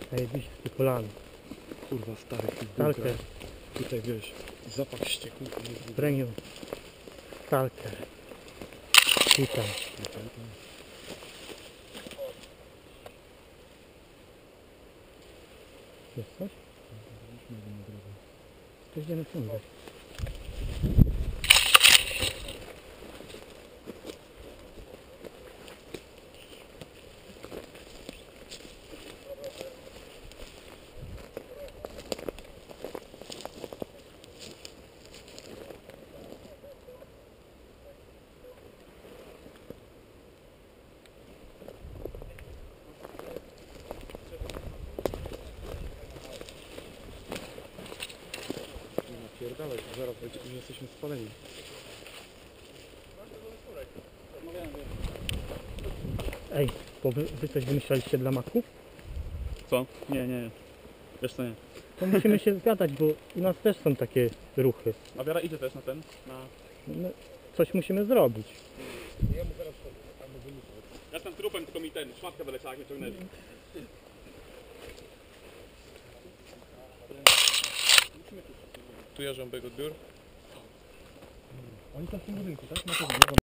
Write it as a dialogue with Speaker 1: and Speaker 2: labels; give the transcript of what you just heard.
Speaker 1: Najbliższy kolan.
Speaker 2: Kurwa, stary
Speaker 1: Stalker.
Speaker 2: Tutaj wiesz, zapach ścieku.
Speaker 1: Premium. Stalker. Tutaj. Jest coś? To idziemy ciągać.
Speaker 2: Pierdalaj, zaraz już jesteśmy spaleni.
Speaker 1: Ej, bo wy coś wymyślaliście dla maków?
Speaker 3: Co? Nie. Wiesz co, nie.
Speaker 1: To musimy się zgadać, bo u nas też są takie ruchy.
Speaker 3: A Wiara idzie też na ten?
Speaker 1: No, coś musimy zrobić.
Speaker 3: Ja jestem trupem, tylko mi ten, szmatka wyleciała, jak mnie ciągnęli.
Speaker 2: Tu jeżdżam bieg odbiór.
Speaker 1: Oni są w tym budynku, tak?